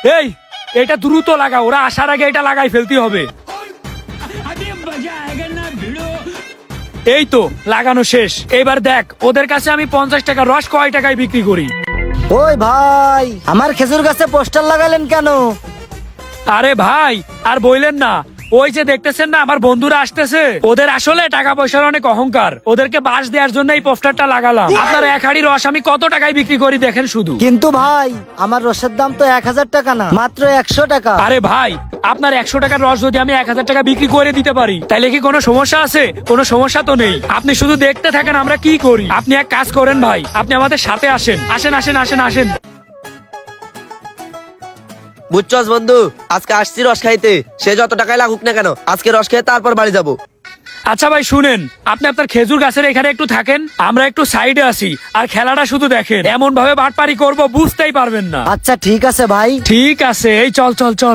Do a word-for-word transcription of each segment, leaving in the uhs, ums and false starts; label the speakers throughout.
Speaker 1: এই এটা দ্রুত লাগা, ওরা আসার আগে এটা লাগাই ফেলতে হবে। এই তো লাগানো শেষ। এবার দেখ ওদের কাছে আমি পঞ্চাশ টাকা রস কয় টাকায় বিক্রি করি।
Speaker 2: ওই ভাই, আমার খেজুর গাছে পোস্টার লাগালেন কেন?
Speaker 1: আরে ভাই আর বইলেন না, ওই যে দেখতেছেন না আমার বন্ধুরা আসতেছে, ওদের আসলে টাকা পয়সার অনেক অহংকার, ওদেরকে বাস দেওয়ার জন্য এই পোস্টারটা লাগালাম। আপনার এক হাড়ি রস আমি কত টাকায় বিক্রি করি দেখেন শুধু।
Speaker 2: কিন্তু ভাই আমার রসের দাম তো এক হাজার টাকা না, মাত্র একশো টাকা।
Speaker 1: আরে ভাই আপনার একশো টাকার রস যদি আমি এক হাজার টাকা বিক্রি করে দিতে পারি তাহলে কি কোনো সমস্যা আছে? কোনো সমস্যা তো নেই। আপনি শুধু দেখতে থাকেন আমরা কি করি। আপনি এক কাজ করেন ভাই, আপনি আমাদের সাথে আসেন, আসেন আসেন আসেন আসেন।
Speaker 3: বুঝছস বন্ধু, আজকে আসছি রস খাইতে, সে যত টাকায় লাগুক না কেন আজকে রস খেয়ে তারপর বাড়ি যাবো।
Speaker 1: আচ্ছা ভাই শুনেন, আপনি আপনার খেজুর গাছের এখানে একটু থাকেন, আমরা একটু সাইডে আসি আর খেলাটা শুধু দেখেন। এমন ভাবে বাটপারি করব বুঝতেই পারবেন না।
Speaker 2: আচ্ছা ঠিক আছে ভাই।
Speaker 1: ঠিক আছে, এই চল চল চল।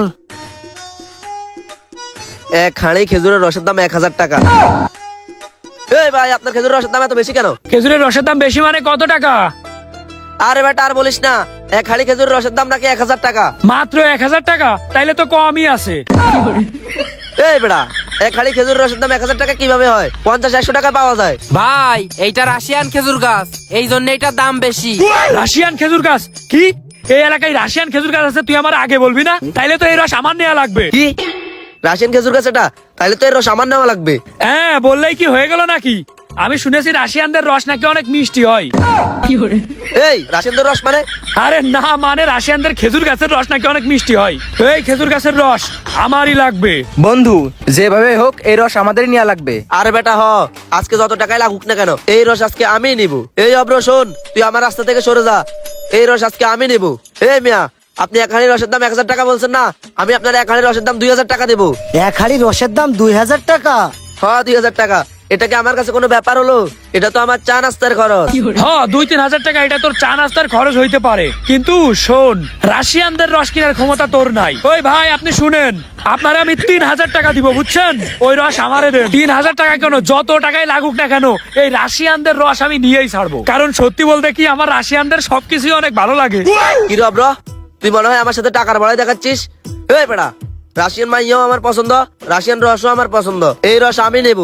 Speaker 3: এক হাঁড়ি খেজুরের রসের দাম এক হাজার টাকা। এই ভাই আপনার খেজুরের রসের দাম এত বেশি কেন?
Speaker 1: খেজুরের রসের দাম বেশি মানে কত টাকা?
Speaker 3: আরে বেটা আর বলিস না, এক হাঁড়ি খেজুরের রসের দাম নাকি এক হাজার টাকা।
Speaker 1: মাত্র এক হাজার টাকা? তাইলে তো কমই আছে।
Speaker 3: এই বেটা এক হাঁড়ি খেজুরের রসের দাম এক হাজার টাকা কিভাবে হয়? পঞ্চাশ একশো টাকা পাওয়া যায়।
Speaker 4: ভাই এইটা রাশিয়ান খেজুর গাছ, এই জন্য এটার দাম বেশি।
Speaker 1: রাশিয়ান খেজুর গাছ? কি এই এলাকায় রাশিয়ান খেজুর গাছ আছে? তুই আমার আগে বলবি না? তাইলে তো এই রস আমার নেওয়া লাগবে।
Speaker 3: কি রাশিয়ান খেজুর গাছ এটা? তাহলে তো এর রস আমার নেওয়া লাগবে।
Speaker 1: হ্যাঁ বললেই কি হয়ে গেল নাকি? আমি শুনেছি রাশিয়ানদের রস নাকি অনেক মিষ্টি হয়।
Speaker 3: এই রাশিয়ানদের রস মানে?
Speaker 1: আরে না, মানে রাশিয়ানদের খেজুর গাছের রস নাকি অনেক মিষ্টি হয়। এই খেজুর গাছের রস আমারই লাগবে।
Speaker 5: বন্ধু যেভাবে হোক এই রস আমাদেরই নেওয়া লাগবে।
Speaker 3: আরে বেটা হ, আজকে যত টাকায় লাগুক না কেন এই রস আজকে আমি নিব। এই অব্র শোন, তুই আমার রাস্তা থেকে সরে যা, এই রস আজকে আমি নিব। এই মিয়া আপনি এক হাঁড়ি রসের দাম এক হাজার টাকা বলছেন না, আমি আপনার এক হাঁড়ি রসের দাম দুই হাজার টাকা দেবো।
Speaker 2: এক হাড়ি রসের দাম দুই হাজার টাকা?
Speaker 3: হ্যাঁ দুই হাজার টাকা। এটা কি আমার কাছে কোনো ব্যাপার হলো? এটা তো আমার চা নাস্তার খরচ।
Speaker 1: হ্যাঁ দুই তিন হাজার টাকা এটা তোর চা নাস্তার খরচ হইতে পারে, কিন্তু শোন রাশিয়ানদের রস কেনার ক্ষমতা তোর নাই। ওই ভাই আপনি শুনেন, আপনারা আমি তিন হাজার টাকা দিব বুঝছেন? ওই রস আমারে দেন। তিন হাজার টাকা কেন, যত টাকায় লাগুক না কেন এই রাশিয়ানদের রস আমি নিয়েই ছাড়বো। কারণ সত্যি বলতে কি আমার রাশিয়ানদের সবকিছুই অনেক ভালো লাগে।
Speaker 3: কি রে অব্র, তুই মনে হয় আমার সাথে টাকার বড়াই দেখাচ্ছিস? এই বেটা রাশিয়ান মাইয়াও আমার পছন্দ, রাশিয়ান রসও আমার পছন্দ, এই রস আমি নেব।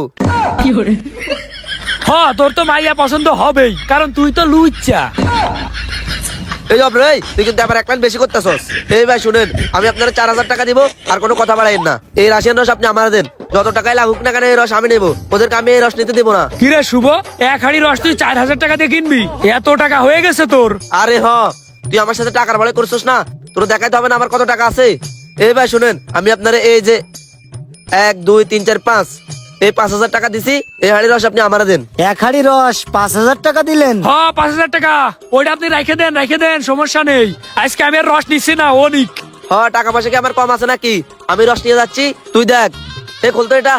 Speaker 1: হ্যাঁ তোর তো মাইয়া পছন্দ হবেই, কারণ তুই তো লুচ্চা।
Speaker 3: এই অব্র এই তুই কিন্তু আবার এক লাইন বেশি করতেছস। এই ভাই শুনেন, আমি আপনারা চার হাজার টাকা দিব, আর কোনো কথা বাড়াইন না। এই রাশিয়ান রস আপনি আমার দেন, যত টাকায় লাগুক না কেন এই রস আমি নেবো, ওদেরকে আমি এই রস নিতে দেবো না।
Speaker 1: কিরে শুভ, এক হাড়ি রস তুই চার হাজার টাকা দিয়ে কিনবি? এত টাকা হয়ে গেছে তোর?
Speaker 3: আরে হ, তুই আমার সাথে টাকার বড়াই করছিস না, তোর দেখাইতে হবে না আমার কত টাকা আছে। এই ভাই শুনেন, আমি আপনারা এই যে এক দুই তিন চার পাঁচ এই পাঁচ হাজার টাকা দিছি, এই হাড়ি রস আপনি আমার দেন।
Speaker 2: এক হাড়ি রস পাঁচ হাজার টাকা দিলেন?
Speaker 1: হ্যাঁ পাঁচ হাজার টাকা, ওইটা আপনি রেখে দেন রেখে দেন, সমস্যা নেই। আজকে আমি আর রস নিচ্ছি না, ও নিক।
Speaker 3: হ টাকা পয়সা কি আমার কম আছে নাকি? আমি রস নিয়ে যাচ্ছি, তুই দেখ। এই খুলতো এটা,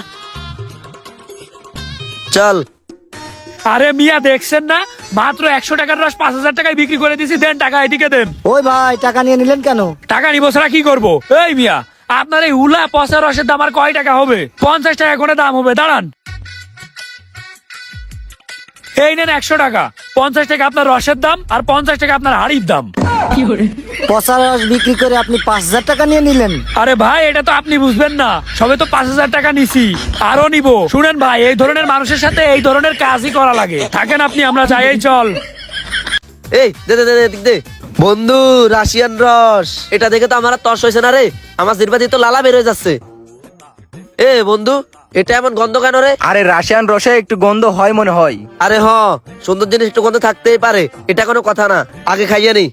Speaker 3: চল।
Speaker 1: আরে মিয়া দেখছেন না, মাত্র একশো টাকার রস পাঁচ হাজার টাকায় বিক্রি করে দিছি। দেন টাকা, এদিকে দেন।
Speaker 2: ওই ভাই টাকা নিয়ে নিলেন কেন?
Speaker 1: টাকা নিবো ছাড়া কি করবো? এই মিয়া আপনার এই উলা পচা রসের দাম আর কয় টাকা হবে? পঞ্চাশ টাকা করে দাম হবে, দাঁড়ান। এই নেন একশো টাকা, পঞ্চাশ টাকা আপনার রসের দাম আর পঞ্চাশ টাকা আপনার হাড়ির দাম।
Speaker 2: পচা রস বিক্রি করে আপনি পাঁচ হাজার টাকা নিয়ে নিলেন?
Speaker 1: আরে ভাই এটা তো আপনি বুঝবেন না, সবে তো পাঁচ হাজার টাকা নিছি, আরো নিব। শুনেন ভাই, এই ধরনের মানুষের সাথে এই ধরনের কাজই করা লাগে। থাকেন আপনি, আমরা যাই। এই চল।
Speaker 3: এই দে দে দে দে, দে বন্ধু, রাশিয়ান রস এটা দেখে তো আমার আর তর্স হয়েছে না রে, আমার জিরবাতি তো লালা বের হয়ে যাচ্ছে। এ বন্ধু এটা এমন গন্ধ কেন রে?
Speaker 5: আরে রাশিয়ান রসে একটু গন্ধ হয় মনে হয়।
Speaker 3: আরে হ, সুন্দর জিনিস একটু গন্ধ থাকতেই পারে, এটা কোনো কথা না, আগে খাইয়ে নি।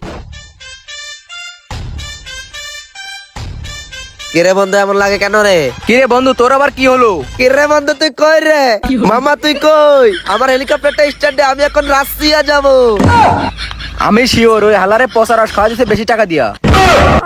Speaker 3: কিরে বন্ধু এমন লাগে কেন রে?
Speaker 5: কিরে বন্ধু তোর আবার কি হলো?
Speaker 3: কিরে বন্ধু তুই কই রে? মামা তুই কই? আমার হেলিকপ্টারটা স্ট্যান্ডে, আমি এখন রাশিয়া যাব।
Speaker 5: আমি শিওর ওই হালারে পচা রস খাওয়া দিতে বেশি টাকা দিয়া।